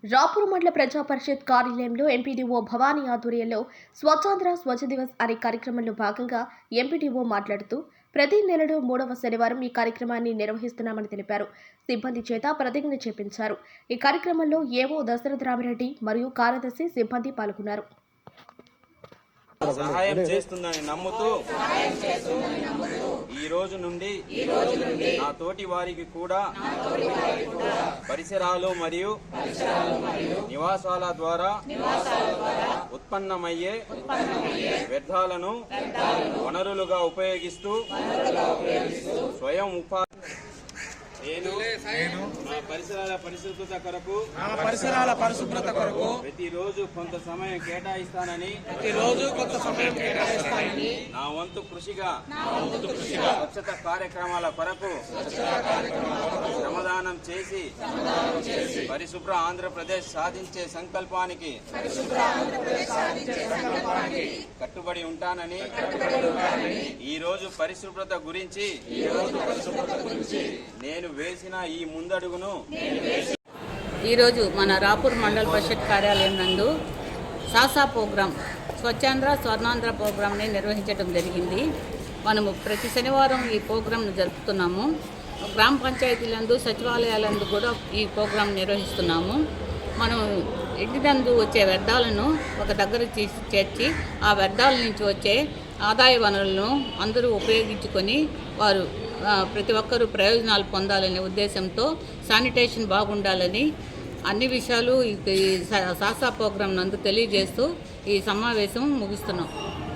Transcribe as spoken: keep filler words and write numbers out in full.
రాపూర్ మండల ప్రజా పరిషత్ కార్యాలయంలో ఎంపీడీఓ భవానీ ఆధ్వర్యంలో స్వచ్ఛాంధ్ర స్వచ్ఛ దివస్ అనే కార్యక్రమంలో భాగంగా ఎంపీడీఓ మాట్లాడుతూ ప్రతి నెలలో మూడవ శనివారం ఈ కార్యక్రమాన్ని నిర్వహిస్తున్నామని తెలిపారు. సిబ్బంది చేత ప్రతిజ్ఞ చేపించారు. ఈ కార్యక్రమంలో ఏవో దశరథ రామిరెడ్డి మరియు కార్యదర్శి సిబ్బంది పాల్గొన్నారు. సహాయం చేస్తుందని నమ్ముతూ ఈ రోజు నుండి నా తోటి వారికి కూడా పరిసరాలు మరియు నివాసాల ద్వారా ఉత్పన్నమయ్యే వ్యర్థాలను వనరులుగా ఉపయోగిస్తూ స్వయం ఉపాధి నేను నా పరిసరాల పరిశుభ్రత కొరకు పరిసరాల పరిశుభ్రత కొరకు ప్రతిరోజు కొంత సమయం కేటాయిస్తానని ప్రతిరోజు కొంత సమయం కేటాయిస్తానని నా వంతు కృషిగా స్వచ్ఛత కార్యక్రమాల కొరకు శ్రమదానం చేసి పరిశుభ్ర ఆంధ్రప్రదేశ్ సాధించే సంకల్పానికి కట్టుబడి ఉంటానని ఈ రోజు పరిశుభ్రత గురించి నేను వేసిన ఈ ముందడుగును ఈరోజు మన రాపూర్ మండల పరిషత్ కార్యాలయం నందు సాసా ప్రోగ్రాం స్వచ్ఛాంధ్ర స్వర్ణాంధ్ర ప్రోగ్రాంని నిర్వహించడం జరిగింది. మనము ప్రతి శనివారం ఈ ప్రోగ్రాంను జరుపుతున్నాము. గ్రామ పంచాయతీలందు సచివాలయాలందు కూడా ఈ ప్రోగ్రాం నిర్వహిస్తున్నాము. మనం ఇంటి నందు వచ్చే వ్యర్థాలను ఒక దగ్గర చేర్చి ఆ వ్యర్థాల నుంచి వచ్చే ఆదాయ వనరులను అందరూ ఉపయోగించుకొని వారు ప్రతి ఒక్కరూ ప్రయోజనాలు పొందాలనే ఉద్దేశంతో శానిటేషన్ బాగుండాలని అన్ని విషయాలు ఈ సాసా ప్రోగ్రాం నందు తెలియజేస్తూ ఈ సమావేశం ముగిస్తున్నాం.